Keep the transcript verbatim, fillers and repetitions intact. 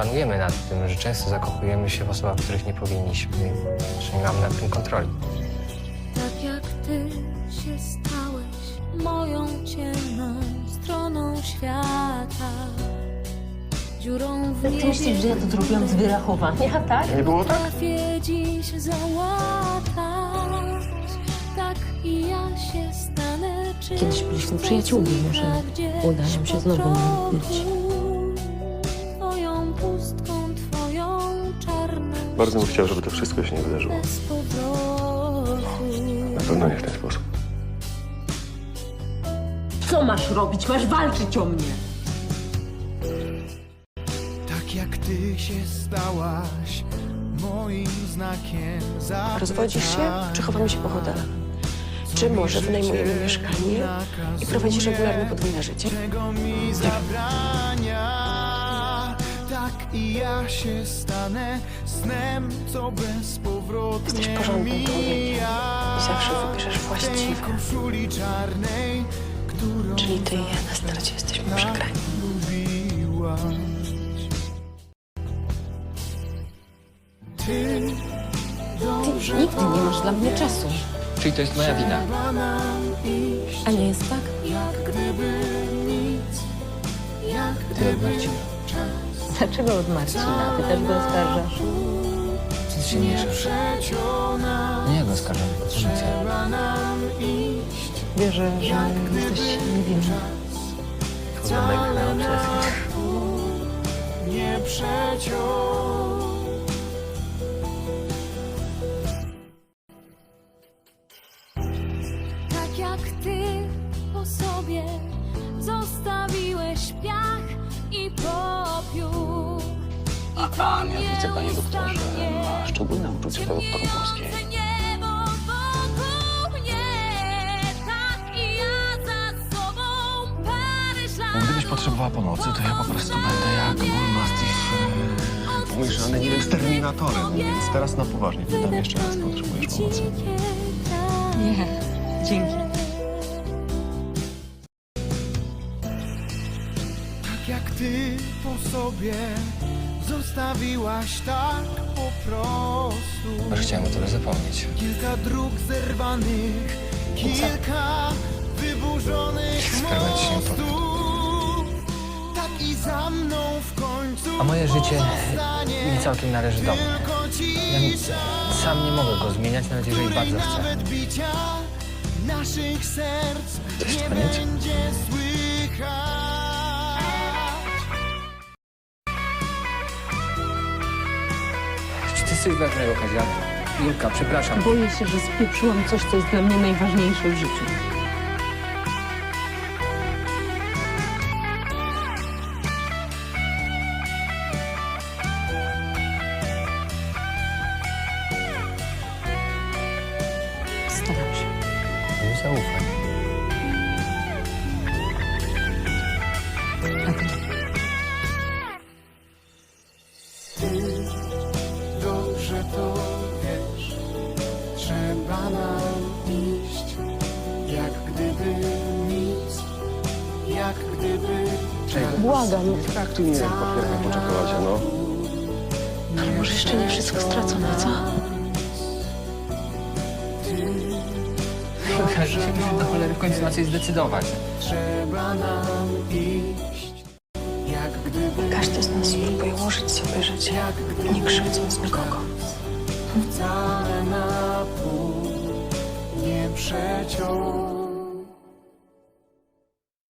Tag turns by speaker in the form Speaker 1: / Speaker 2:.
Speaker 1: panujemy nad tym, że często zakochujemy się w osobach, których nie powinniśmy, że nie mamy nad tym kontroli.
Speaker 2: Tak jak ty się stałeś moją ciemną stroną świata. Dziurą w
Speaker 3: Ty
Speaker 2: niebie
Speaker 3: myślisz, że ja to zrobiłam z wyrachowania, tak?
Speaker 4: Nie było tak?
Speaker 2: potrafię dziś załatać. Tak i ja się stanę czymś,
Speaker 3: Kiedyś byliśmy przyjaciółmi, może uda nam się znowu być.
Speaker 2: Twoją pustką, twoją czarną.
Speaker 4: Bardzo bym chciał, żeby to wszystko się nie wydarzyło.
Speaker 2: Bez powrotu.
Speaker 4: Na pewno nie w ten sposób.
Speaker 3: Co masz robić? Masz walczyć o mnie!
Speaker 5: Tak jak ty się stałaś moim znakiem zapytania.
Speaker 6: Rozwodzisz się, czy chowamy się po hotelach? Czy może wynajmujemy mieszkanie i prowadzisz regularne podwójne życie?
Speaker 5: Czego mi zabrania? Tak i ja się stanę snem, co bezpowrotnie
Speaker 6: Jesteś porządnym człowiekiem
Speaker 5: mija.
Speaker 6: i zawsze wybierzesz
Speaker 5: W tej
Speaker 6: właściwe.
Speaker 5: koszuli czarnej, którą
Speaker 6: Czyli ty i ja na starcie jesteśmy przegrani.
Speaker 5: lubiłaś. Ty
Speaker 3: Ty nigdy nie masz dla mnie czasu.
Speaker 1: Czyli to jest moja wina.
Speaker 3: A nie jest tak?
Speaker 5: jak gdyby nic, jak
Speaker 1: Ty od Marcina.
Speaker 3: Dlaczego od Marcina? Ty też go oskarżasz?
Speaker 1: Ty się mieszasz.
Speaker 5: przeciona.
Speaker 1: Nie, ja go oskarżam. Nic.
Speaker 5: Trzeba nam iść,
Speaker 3: Wierzę, że jesteś niewinny.
Speaker 1: Wcale na obsesję.
Speaker 5: nie przeciął.
Speaker 2: Tak jak ty po sobie zostawiłeś piach i popiół. I
Speaker 7: A, mianowicie, panie doktorze, ma szczególne uczucie do doktor Włoskiej.
Speaker 2: Niebo wokół mnie, tak i ja za sobą Paryż lat.
Speaker 7: Gdybyś potrzebowała pomocy, to ja po prostu będę jak Bull Mastiff e, pomieszany, nie wiem, z Terminatorem. Więc teraz na poważnie pytam jeszcze raz, potrzebujesz pomocy.
Speaker 3: Nie, dzięki.
Speaker 5: Tak jak ty po sobie zostawiłaś tak po prostu.
Speaker 1: Może chciałem o tobie zapomnieć.
Speaker 5: Kilka dróg zerwanych, kilka wyburzonych
Speaker 1: Skarwać się
Speaker 5: mostów. Tak i za mną w końcu
Speaker 1: A moje życie
Speaker 5: pozostanie
Speaker 1: nie całkiem należy do mnie.
Speaker 5: tylko ci
Speaker 1: Ja nic, sam nie mogę go zmieniać, nawet jeżeli
Speaker 5: której
Speaker 1: bardzo chcę.
Speaker 5: nawet bicia naszych serc
Speaker 1: To jest
Speaker 5: nie
Speaker 1: koniec?
Speaker 5: będzie słychać.
Speaker 1: Czy ty jesteś ważnego, Kazia? Julka, przepraszam.
Speaker 3: Boję się, że spieprzyłam coś, co jest dla mnie najważniejsze w życiu. Staram się.
Speaker 1: Nie zaufaj.
Speaker 3: A ty?
Speaker 5: Dobrze to wiesz, trzeba nam iść, jak gdyby nic, jak gdyby
Speaker 1: Czego?
Speaker 6: Błagam,
Speaker 4: Tak, tu nie wiem, potwierdzam po czekoladzie, no.
Speaker 6: ale może jeszcze nie wszystko stracone, co?
Speaker 1: Kasia się musi do cholery w końcu na coś zdecydować.
Speaker 5: trzeba nam iść, jak gdyby
Speaker 6: Każdy z nas spróbuje ułożyć sobie życie, nie krzywdząc nikogo.
Speaker 5: wcale nam